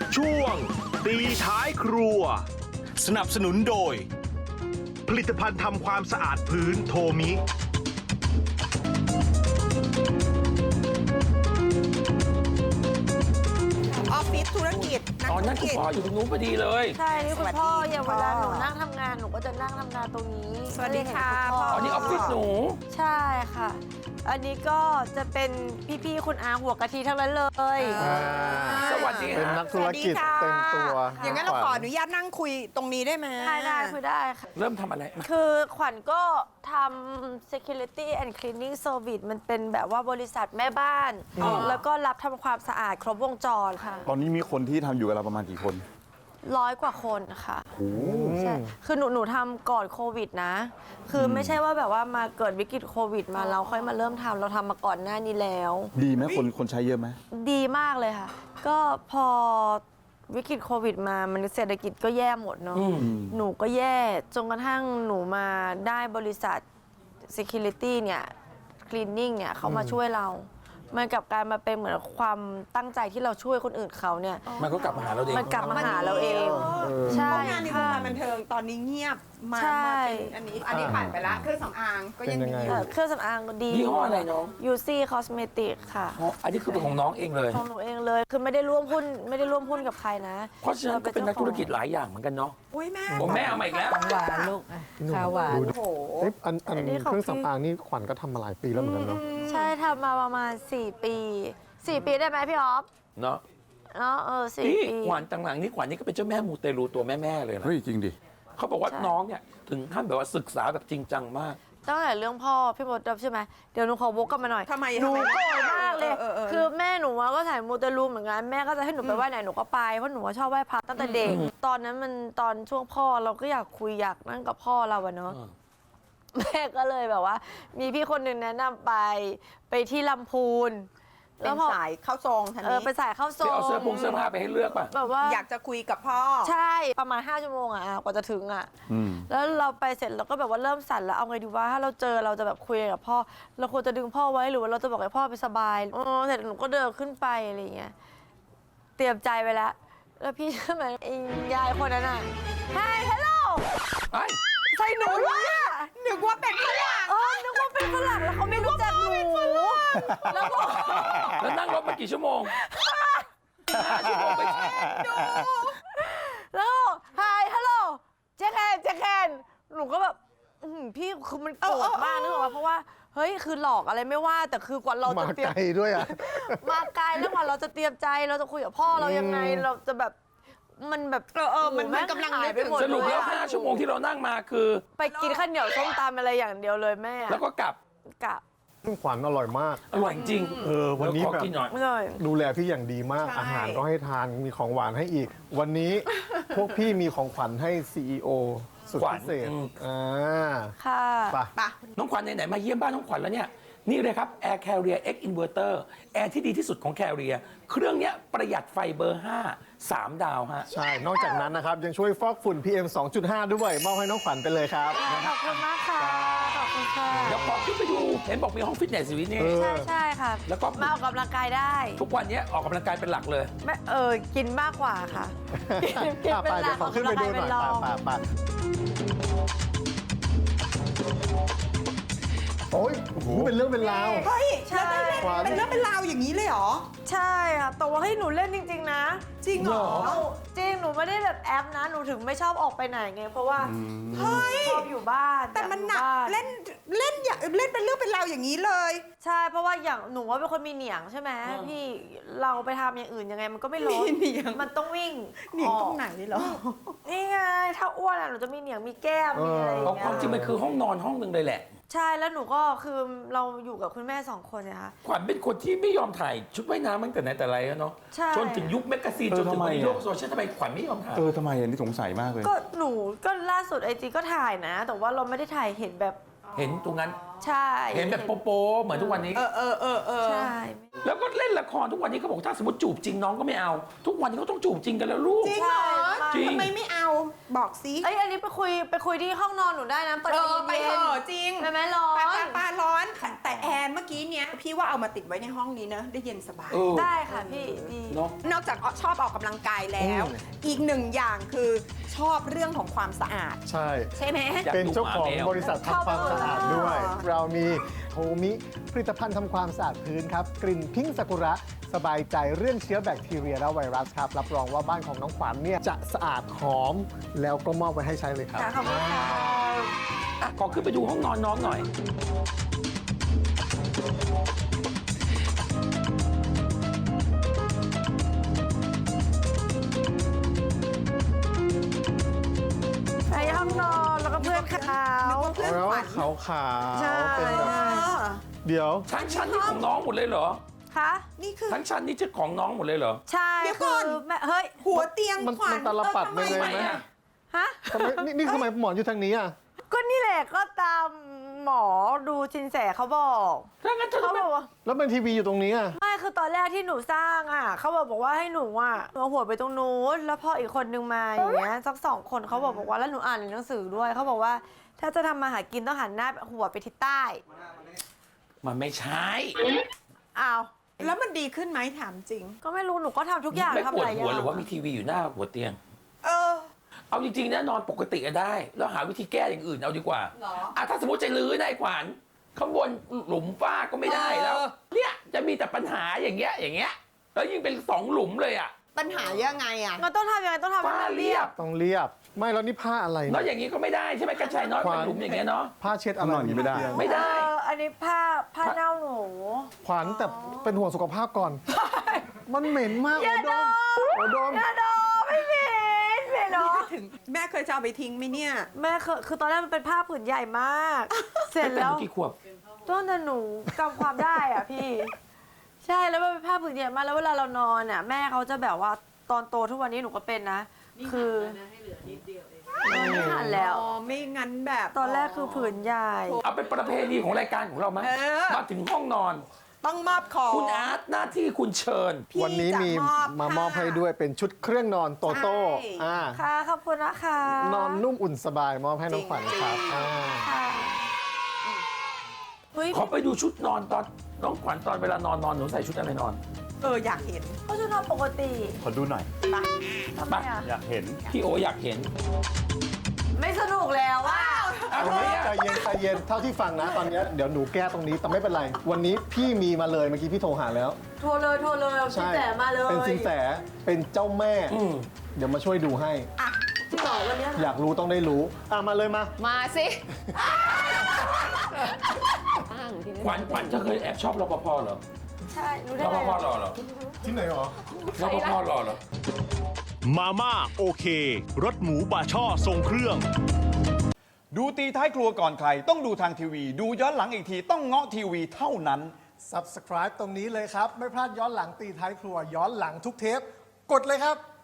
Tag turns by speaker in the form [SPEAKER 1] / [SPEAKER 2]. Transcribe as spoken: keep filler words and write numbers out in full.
[SPEAKER 1] ช่วงตีท้ายครัวสนับสนุนโดย ผลิตภัณฑ์ทำความสะอาดพื้นโทมิ
[SPEAKER 2] ออฟฟิศธุรกิจ
[SPEAKER 3] ตอนนั้นคุณพ่ออยู่ตรงนู้นพอดีเลย
[SPEAKER 4] ใช่นี่คุณพ่ออย่างเวลาหนู
[SPEAKER 2] พ่อ
[SPEAKER 4] นั่งทำงานหนูก็จะนั่งทำงานตรงนี้
[SPEAKER 2] สวัสดีค่ะ
[SPEAKER 4] ไม่ได้เห็นณ
[SPEAKER 3] อ๋อนี่ออฟฟิศหนู
[SPEAKER 4] ใช่ค่ะ อันนี้ก็จะเป็นพี่ๆคุณอาหัวกะทิทั้งนั้นเลย
[SPEAKER 2] อ่า
[SPEAKER 3] สวัสดี
[SPEAKER 5] เป็น
[SPEAKER 3] ฮะ
[SPEAKER 5] นักธุรกิจเต็มตัว
[SPEAKER 2] อย่างนั้นเราขออนุญาตนั่งคุยตรงนี้ได้ไหม
[SPEAKER 4] ได้ได้คือได้ค่ะ
[SPEAKER 3] เริ่มทำอะไรมา
[SPEAKER 4] คือขวัญก็ทำ security and cleaning service มันเป็นแบบว่าบริษัทแม่บ้าน แล้วก็รับทำความสะอาดครบวงจรค่ะ
[SPEAKER 5] ตอนนี้มีคนที่ทำอยู่กับเราประมาณกี่คน
[SPEAKER 4] ร้อยกว่าคนค่ะใช่คือหนูหนูทำก่อนโควิดนะ คือไม่ใช่ว่าแบบว่ามาเกิดวิกฤตโควิดมาเราค่อยมาเริ่มทำเราทำมาก่อนหน้านี้แล้ว
[SPEAKER 5] ดีไหมคนคนใช้เยอะไหม
[SPEAKER 4] ดีมากเลยค่ะ ก็พอวิกฤตโควิดมามันเศรษฐกิจก็แย่หมดเนาะหนูก็แย่จนกระทั่งหนูมาได้บริษัท Security เนี่ย Cleaning เนี่ยเขามาช่วยเรา มันกลับกลายมาเป็นเหมือนความตั้งใจที่เราช่วยคนอื่นเขาเนี่ย
[SPEAKER 3] มันก็กลับมาหาเราเอง
[SPEAKER 4] มันกลับมาหาเราเอง ใช่
[SPEAKER 2] เพราะงานในวง
[SPEAKER 4] ค่ะ
[SPEAKER 2] การบันเทิงตอนนี้เงียบมา
[SPEAKER 4] ใช่
[SPEAKER 2] มาเป็นอันนี้อันนี้ผ่านไปละเครื่องสำอางก็ยังมีอ
[SPEAKER 4] เอ่
[SPEAKER 2] ยู่
[SPEAKER 4] อเครื่องสำอางดี
[SPEAKER 3] ยี่ห้ออะไรน้อง
[SPEAKER 4] ยูซี่คอสเมติกค่ะ
[SPEAKER 3] อ๋ออันนี้คือเป็นของน้องเองเลย
[SPEAKER 4] ของหนูเองเลย คือไม่ได้ร่วมหุ้นไม่ได้ร่วมหุ้นกับใครนะ
[SPEAKER 3] เพราะฉะนั้นก็เป็นนักธุรกิจหลายอย่างเหมือนกันเนาะ
[SPEAKER 2] อุ้ยแม่
[SPEAKER 3] โอ้แม่เอามาอีกแล้ว
[SPEAKER 6] หวานลูกอ่ะข้าวหวาน
[SPEAKER 2] โอ้โห
[SPEAKER 5] เอ๊ะอันอัน
[SPEAKER 4] อันนี้ของ
[SPEAKER 5] เครื่อง
[SPEAKER 4] พี่
[SPEAKER 5] สำอางนี่ขวัญก็ทำมาหลายปีแล้วเหมือนกันเนาะ
[SPEAKER 4] ใช่ทำมาประมาณ สี่ ปี สี่ ปีได้ไหมพี่ออฟ
[SPEAKER 3] เนาะ
[SPEAKER 4] เนาะเออสี่
[SPEAKER 3] นี่
[SPEAKER 4] ปี
[SPEAKER 3] ขวัญต่างหลังนี่ขวัญนี่ก็เป็นเจ้าแม่มูเตลูตัวแม่ๆเลยนะ
[SPEAKER 5] เฮ้ยจริงดิ
[SPEAKER 3] เขาบอกว่าน้องเนี่ยถึงขั้นแบบว่าศึกษาแบบจริงจังมาก
[SPEAKER 4] ตั้งแต่เรื่องพ่อพี่มดดำใช่ไหมเดี๋ยวหนูขอวกกลับมาหน่อย
[SPEAKER 2] ทำไม
[SPEAKER 4] หนู
[SPEAKER 2] ทำไม
[SPEAKER 4] โกรธมากเลย
[SPEAKER 2] เออเออเออ
[SPEAKER 4] คือแม่หนูอะก็ถ่ายมูเตลูเหมือนกันแม่ก็จะให้หนูไปไหว้ไหนหนูก็ไปเพราะหนูว่าชอบไหว้พระตั้งแต่เด็ก ตอนนั้นมันตอนช่วงพ่อเราก็อยากคุยอยากนั่งกับพ่อเราอะเนาะ
[SPEAKER 3] อืม
[SPEAKER 4] แม่ก็เลยแบบว่า มีพี่คนหนึ่งแนะนำไปไปที่ลำพูน
[SPEAKER 2] เป็นสายเข้าทรงทัน
[SPEAKER 4] เออ
[SPEAKER 2] นี้
[SPEAKER 4] ไปสายเข้าทร
[SPEAKER 3] ไป
[SPEAKER 4] ง
[SPEAKER 3] เอาเสื้อผงเสื้อผ้าไปให้เลือกป่ะ
[SPEAKER 4] แบบว่า
[SPEAKER 2] อยากจะคุยกับพ่อ
[SPEAKER 4] ใช่ประมาณห้าชั่วโมงอะกว่าจะถึงอะ
[SPEAKER 5] อืม
[SPEAKER 4] แล้วเราไปเสร็จเราก็แบบว่าเริ่มสั่นแล้วเอาไงดีว่าถ้าเราเจอเราจะแบบคุยกับพ่อ เราควรจะดึงพ่อไว้หรือว่าเราจะบอกให้พ่อไปสบายอ๋อเสร็จหนูก็เดินขึ้นไปอะไรอย่างเงี้ยเตรียมใจไปแล้ว แล้วพี่เชื่อไหมไอ้ยายคนนั้นอะไฮฮัลโหล
[SPEAKER 3] ไอ้
[SPEAKER 4] ใส่หนูด้วยอะ
[SPEAKER 2] นึกว่าเป็นฝรั่ง
[SPEAKER 4] เออนึกว่าเป็นฝรั่งแล้วเขาไม่รู้จักหนูแล้วก็
[SPEAKER 3] แล้วนั่งรถมากี่ชั่วโมงห้าชั่วโมงไป
[SPEAKER 4] แล้วไฮฮัลโหลเจ๊แคนเจ๊แคนหนูก็แบบอื้อหือพี่คือมันโกรธมากนึกออกไหมเพราะว่าเฮ้ยคือหลอกอะไรไม่ว่าแต่คือกว่าเรา
[SPEAKER 5] มา
[SPEAKER 4] จะเตรีย
[SPEAKER 5] ไก
[SPEAKER 4] ม
[SPEAKER 5] ลด้วยอ่ะ
[SPEAKER 4] มาไกลแล้วกว่าเราจะเตรียมใจเราจะคุยกับพ่อเรายังไงเราจะแบบมันแบบ
[SPEAKER 2] เออเออมัน
[SPEAKER 4] โโห
[SPEAKER 2] มันกำลัง
[SPEAKER 4] หายไปหมด
[SPEAKER 3] สรุปแล้ว
[SPEAKER 4] เยอะ
[SPEAKER 3] ห้าชั่วโมงที่เรานั่งมาคือ
[SPEAKER 4] ไปกินข้าวเหนียวส้มตำอะไรอย่างเดียวเลยแม่อะ
[SPEAKER 3] แล้วก็กลับ
[SPEAKER 4] กะ
[SPEAKER 5] ซึ่งขวัญอร่อยมาก
[SPEAKER 3] อร่อยจริง
[SPEAKER 5] เออวันนี้
[SPEAKER 3] เดี๋ยขอ
[SPEAKER 5] แบบ
[SPEAKER 3] กินหน่อย
[SPEAKER 4] ไม่เลย
[SPEAKER 5] ดูแลพี่อย่างดีมาก
[SPEAKER 2] ใช่
[SPEAKER 5] อาหารก็ให้ทานมีของหวานให้อีก วันนี้ พวกพี่มีของขวัญให้ ซี อี โอ สุด
[SPEAKER 3] ขวัญ
[SPEAKER 5] พิเศษ
[SPEAKER 3] อืม
[SPEAKER 5] อ่า
[SPEAKER 4] ค่ะ
[SPEAKER 5] ไป
[SPEAKER 2] ปะ
[SPEAKER 3] น้องขวัญไหนๆมาเยี่ยมบ้านน้องขวัญแล้วเนี่ย นี่เลยครับ Air Carrier X Inverter แอร์ที่ดีที่สุดของ Carrier เครื่องเนี้ยประหยัดไฟเบอร์ ห้า สาม ดาวฮะ
[SPEAKER 5] ใช่ นอกจากนั้นนะครับ ยังช่วยฟอกฝุ่น พี เอ็ม สองจุดห้า ด้วย มอบให้น้องขวัญไปเลยครับ
[SPEAKER 4] ขอบคุณมากค่ะขอบคุณค่ะ
[SPEAKER 3] เดี๋ยวพอขึ้นไปดู เห็นบอกมีห้องฟิตเนสอยู่ที่นี่
[SPEAKER 5] เออ
[SPEAKER 4] ใช่ใช่ค่ะ
[SPEAKER 3] แล้วก็
[SPEAKER 4] มาออกกำลังกายได้
[SPEAKER 3] ทุกวันเนี้ยออกกำลังกายเป็นหลักเลย
[SPEAKER 4] ไม่เออกินมากกว่าค่ะ กินกิน
[SPEAKER 5] อ่ะ
[SPEAKER 4] เป็น
[SPEAKER 5] ไป
[SPEAKER 4] หลั
[SPEAKER 5] เดี๋ย
[SPEAKER 4] ก
[SPEAKER 5] วขอขึ้นไปดูหน่อย
[SPEAKER 4] กกำลังกาเป็รอง
[SPEAKER 5] ไปไปโอ้ยโอ้โหเป็นเรื่องเป็นราว
[SPEAKER 2] เฮ้ย
[SPEAKER 4] ใช่
[SPEAKER 2] แล้วได้เล่น
[SPEAKER 5] ขวัญ
[SPEAKER 2] เป็นเรื่องเป็นราวอย่างนี้เลยเหรอ
[SPEAKER 4] ใช่ค่ะแต่ว่าให้ยหนูเล่นจริง ๆ นะ
[SPEAKER 2] จริงเหรอ
[SPEAKER 4] หนูจริงหนูไม่ได้แบบแอปนะหนูถึงไม่ชอบออกไปไหนไงเพราะว่า
[SPEAKER 2] เฮ้ย
[SPEAKER 4] ชอบอยู่บ้าน
[SPEAKER 2] แต่มันหนัก
[SPEAKER 4] อยาอยู่บ้า
[SPEAKER 2] เล่นเล่นอย่าเล่นเป็นเรื่องเป็นราวอย่างนี้เลย
[SPEAKER 4] ใช่เพราะว่าอย่างหนูว่าเป็นคนมีเหนียงใช่ไหม
[SPEAKER 3] อืม
[SPEAKER 4] พี่เราไปทำอย่างอื่นยังไงมันก็ไม่ร้อน
[SPEAKER 2] มีเหนียง
[SPEAKER 4] มันต้องวิ่ง
[SPEAKER 2] หนีตรงไหนเหรอ
[SPEAKER 4] นี่ไงถ้าอ้วนอะหนูจะมีเหนียงมีแก้มมีอะไรอย่าง
[SPEAKER 3] เอา
[SPEAKER 4] เงี้
[SPEAKER 3] ความจริงมัน
[SPEAKER 4] ย
[SPEAKER 3] คือห้องนอนห้องหนึ่งเลยแหละ
[SPEAKER 4] ใช่แล้วหนูก็คือเราอยู่กับคุณแม่สองคนเนี่ยค่ะ
[SPEAKER 3] ขวัญเป็นคนที่ไม่ยอมถ่ายชุดว่ายน้ำตั้งแต่ไหนแต่ไรแล้วเนาะ
[SPEAKER 4] ใช่
[SPEAKER 3] จนถึงยุคแมกกาซีน
[SPEAKER 5] เออ
[SPEAKER 3] จนถึง
[SPEAKER 5] ทำไม
[SPEAKER 3] วันนี้
[SPEAKER 5] อะ
[SPEAKER 3] โลกโซเชียลทำไมขวัญไม่ยอมถ่าย
[SPEAKER 5] เออทำไมอันนี้สงสัยมากเลย
[SPEAKER 4] ก็หนูก็ล่าสุดไอจีก็ถ่ายนะ แต่ว่าเราไม่ได้ถ่ายเห็นแบบ
[SPEAKER 3] เห็นตรงนั้น
[SPEAKER 4] ใช่
[SPEAKER 3] เห็นแบบโป๊ะๆเหมือนทุกวันนี้
[SPEAKER 2] เออเออเออเออ
[SPEAKER 4] ใช่
[SPEAKER 3] แล้วก็เล่นละครทุกวันนี้เขาบอกถ้าสมมติจูบจริงน้องก็ไม่เอา ทุกวันนี้เขาต้องจูบจริงกันแล้วลูก
[SPEAKER 2] จริงเหรอ
[SPEAKER 3] จริง
[SPEAKER 2] ทำไมไม่เอาบอกซิ
[SPEAKER 4] เอ้ยอันนี้ไปคุยไปคุยที่ห้องนอนหนูได้นะเปิด
[SPEAKER 2] เอ
[SPEAKER 4] แอ
[SPEAKER 2] อ
[SPEAKER 4] ร์
[SPEAKER 2] ไป
[SPEAKER 4] เย็
[SPEAKER 2] เถ
[SPEAKER 4] น
[SPEAKER 2] อะจริง
[SPEAKER 4] ไปไหมร้อ
[SPEAKER 2] ปาน ปาปาร้อนแต่แอร์เมื่อกี้เนี้ยพี่ว่าเอามาติดไว้ในห้องนี้เนอะได้เย็นสบาย
[SPEAKER 3] เออ
[SPEAKER 4] ได้ค่ะพี่ดี
[SPEAKER 3] เนาะ
[SPEAKER 2] นอกจากชอบออกกำลังกายแล้ว อีกหนึ่งอย่างคือชอบเรื่องของความสะอาด
[SPEAKER 5] ใช่
[SPEAKER 2] ใช่ไหม
[SPEAKER 3] อยาก
[SPEAKER 5] เป็นเจ้าของ
[SPEAKER 3] ดูหมาแมว
[SPEAKER 5] บริษัททำความสะอาดด้วย เรามีโฮมิผลิตภัณฑ์ทำความสะอาดพื้นครับ กลิ่นพิงค์ซากุระสบายใจเรื่องเชื้อแบคทีเรียและไวรัสครับ รับรองว่าบ้านของน้องขวัญเนี่ยจะสะอาดหอม แล้วก็มอบไว้ให้ใช้เลยครับ
[SPEAKER 4] ค่ะขอบคุณค่ะ
[SPEAKER 3] อ่ะขอขึ้นไปดูห้องนอนน้องหน่อย
[SPEAKER 4] ไปห้องนอนแล้วก็เพื่อนเขา
[SPEAKER 2] เพื่อน
[SPEAKER 5] แล้ว
[SPEAKER 2] ขวัญ
[SPEAKER 5] ขาวขาว
[SPEAKER 4] ใช่
[SPEAKER 5] เป็นแบบ
[SPEAKER 2] เออ
[SPEAKER 5] เดี๋ยว
[SPEAKER 3] ทั้งชั้นนี่ของน้องหมดเลยเหรอ
[SPEAKER 4] คะ
[SPEAKER 2] นี่คือ
[SPEAKER 3] ทั้งชั้นนี่จะของน้องหมดเลยเหรอ
[SPEAKER 4] ใช่
[SPEAKER 2] เดี๋ยวก่
[SPEAKER 4] คือ
[SPEAKER 2] อน
[SPEAKER 4] แม่เฮ้ย
[SPEAKER 2] หัวเตียง
[SPEAKER 5] มัน
[SPEAKER 2] ขวัญ
[SPEAKER 5] มันตาลปัด
[SPEAKER 2] เออทำ
[SPEAKER 5] ไป
[SPEAKER 2] ไม
[SPEAKER 5] เลยไหม
[SPEAKER 3] ทำไมอะ
[SPEAKER 4] ฮะ
[SPEAKER 5] ทำไมนี่นี่ทำไมหมอนอยู่ทางนี้อ่ะ
[SPEAKER 4] ก็นี่แหละก็ตามหมอดูชินแสเขาบอก
[SPEAKER 3] ถ้างั้นเธอ
[SPEAKER 4] เขา
[SPEAKER 3] ไม่
[SPEAKER 4] บอกว่า
[SPEAKER 5] แล้วเป็นทีวีอยู่ตรงนี้อ่ะ
[SPEAKER 4] ไม่คือตอนแรกที่หนูสร้างอ่ะเขาบอกบอกว่าให้หนูอ่ะเอาหัวไปตรงนู้นแล้วพออีกคนนึงมาอย่างเงี้ยสักสองคนเขาบอกบอกว่าแล้วหนูอ่านในหนังสือด้วยเขาบอกว่าถ้าจะทำมาหากินต้องหันหน้าหัวไปทิศใต้
[SPEAKER 3] มันไม่ใช่
[SPEAKER 4] อ้าว
[SPEAKER 2] แล้วมันดีขึ้นไหมถามจริง
[SPEAKER 4] ก็ไม่รู้หนูก็ทำทุกอย่าง
[SPEAKER 3] ไม่
[SPEAKER 4] ทำ
[SPEAKER 3] ปว
[SPEAKER 4] ห
[SPEAKER 3] ด
[SPEAKER 4] ลายอ
[SPEAKER 3] หัว
[SPEAKER 4] ย่าง
[SPEAKER 3] หรือว่ามีทีวีอยู่หน้าหัวเตียง
[SPEAKER 2] เออ
[SPEAKER 3] เอาจริงๆนะนอนปกติก็ได้ แล้วหาวิธีแก้อย่างอื่นเอาดีกว่า
[SPEAKER 2] หรอ
[SPEAKER 3] อ่ะถ้าสมมติจะรื้อได้ขวัญข้างบนหลุมฝ้าก็ไม่ได้แล้ว
[SPEAKER 2] เออ
[SPEAKER 3] เนี่ยจะมีแต่ปัญหาอย่างเงี้ยอย่างเงี้ยแล้วยิ่งเป็นสองหลุมเลยอ่ะ
[SPEAKER 2] ปัญหายังไงอ่ะ
[SPEAKER 4] มันต้องทำยังไงต้องทำให้
[SPEAKER 3] ฝ้า
[SPEAKER 4] มัน
[SPEAKER 3] เรี
[SPEAKER 4] เรี
[SPEAKER 3] ย
[SPEAKER 4] ย
[SPEAKER 3] บบ
[SPEAKER 5] ต้องเรียบ ไม่แล้วนี่ผ้าอะไร
[SPEAKER 3] แล้ว
[SPEAKER 5] เนี่ย
[SPEAKER 3] อย่างงี้ก็ไม่ได้ใช่ไหมกระชายน้อย
[SPEAKER 5] ขวา
[SPEAKER 3] เป็นหลุมอย่างเงี้ยเนาะ
[SPEAKER 5] ผ้าเช็ดอะไร
[SPEAKER 7] นอนอย่างนี้ไม่ได้
[SPEAKER 5] เตียง
[SPEAKER 3] ไม่ได้
[SPEAKER 4] เอออันนี้ผ้าผ้าเน่าหนู
[SPEAKER 5] ขวัญแต่เป็นห่วงสุขภาพก่อน มันเหม็นมาก
[SPEAKER 4] อย่า
[SPEAKER 5] โอดมโอดม
[SPEAKER 4] อย่าดอไม่เหม็นเหม็นเนาะ
[SPEAKER 2] ถึงแม่เคยจะเอาไปทิ้งไหมเนี่ย
[SPEAKER 4] แม่คือคือตอนแรกมันเป็นผ้าผืนใหญ่มาก เสร็จแล้ว
[SPEAKER 3] กี่ขวบ
[SPEAKER 4] ต้นแต่หนูจำความได้อ่ะพี่ ใช่แล้วมันเป็นผ้าผืนใหญ่มากแล้วเวลาเรานอนอ่ะแม่เขาจะแบบว่าตอนโตทุกวันนี้หนูก็เป็นนะคือนี่หันแล้ว
[SPEAKER 2] อ๋อ ไม่งั้นแบบ
[SPEAKER 4] ตอนแรกคือผืนใหญ่
[SPEAKER 3] เอาเป็นประเพณีของรายการของเราไหม
[SPEAKER 2] เออ
[SPEAKER 3] มาถึงห้องนอน
[SPEAKER 2] ต้องมอบของ
[SPEAKER 3] คุณอาร์ตหน้าที่คุณเชิญ
[SPEAKER 2] พี่
[SPEAKER 5] วันนี้มี
[SPEAKER 2] จะ
[SPEAKER 5] มามอบให้ด้วยเป็นชุดเครื่องนอนโตโต้
[SPEAKER 2] ใช่
[SPEAKER 5] อ่า
[SPEAKER 4] ค่ะขอบคุณนะคะ
[SPEAKER 5] นอนนุ่มอุ่นสบายมอบให้น้องขวัญครับอ่า
[SPEAKER 4] ค่ะเฮ้ย
[SPEAKER 3] ขอไปดูชุดนอนตอนน้องขวัญตอนเวลานอนนอนหนูใส่ชุดอะไรนอน
[SPEAKER 2] เออ อยากเห็น
[SPEAKER 4] ก็จะนอนปกติ
[SPEAKER 7] ขอดูหน่อย
[SPEAKER 4] ทำไมอ่ะ
[SPEAKER 7] อยากเห็น
[SPEAKER 3] พี่โออยากเห็น
[SPEAKER 4] ไม่สนุกแล้วว่า
[SPEAKER 3] เอาทำไมอ่ะ
[SPEAKER 5] ใจเย็นใจเย็นเท่าที่ฟังนะ ตอนเนี้ยเดี๋ยวหนูแก้ตรงนี้แต่ไม่เป็นไร วันนี้พี่มีมาเลยเมื่อกี้พี่โทรหาแล้ว
[SPEAKER 4] โทรเลยโทรเลยเอาสินแสมาเลย
[SPEAKER 5] เป็นสินแสเป็นเจ้าแม่
[SPEAKER 3] อืม
[SPEAKER 5] เดี๋ยวมาช่วยดูให้
[SPEAKER 4] จริงเหรอวันเนี้ย
[SPEAKER 5] อยากรู้ต้องได้รู้อ่ะมาเลยมา
[SPEAKER 6] มาสิ
[SPEAKER 3] ขวัญขวัญเธอเคยแอบชอบรปภเหรอ
[SPEAKER 4] ใช่รู้ได้
[SPEAKER 3] รป
[SPEAKER 4] ไง
[SPEAKER 3] ภหล่อเหรอ
[SPEAKER 5] ที่ไหนหรอ
[SPEAKER 3] รปภหล่อเหรอ
[SPEAKER 1] มาม่าโอเค รสหมูบาช่อทรงเครื่อง
[SPEAKER 7] ดูตีท้ายครัวก่อนใคร ต้องดูทางทีวี ดูย้อนหลังอีกทีต้องเงาะทีวีเท่านั้น
[SPEAKER 5] Subscribe ตรงนี้เลยครับ ไม่พลาดย้อนหลังตีท้ายครัว ย้อนหลังทุกเทป กดเลยครับ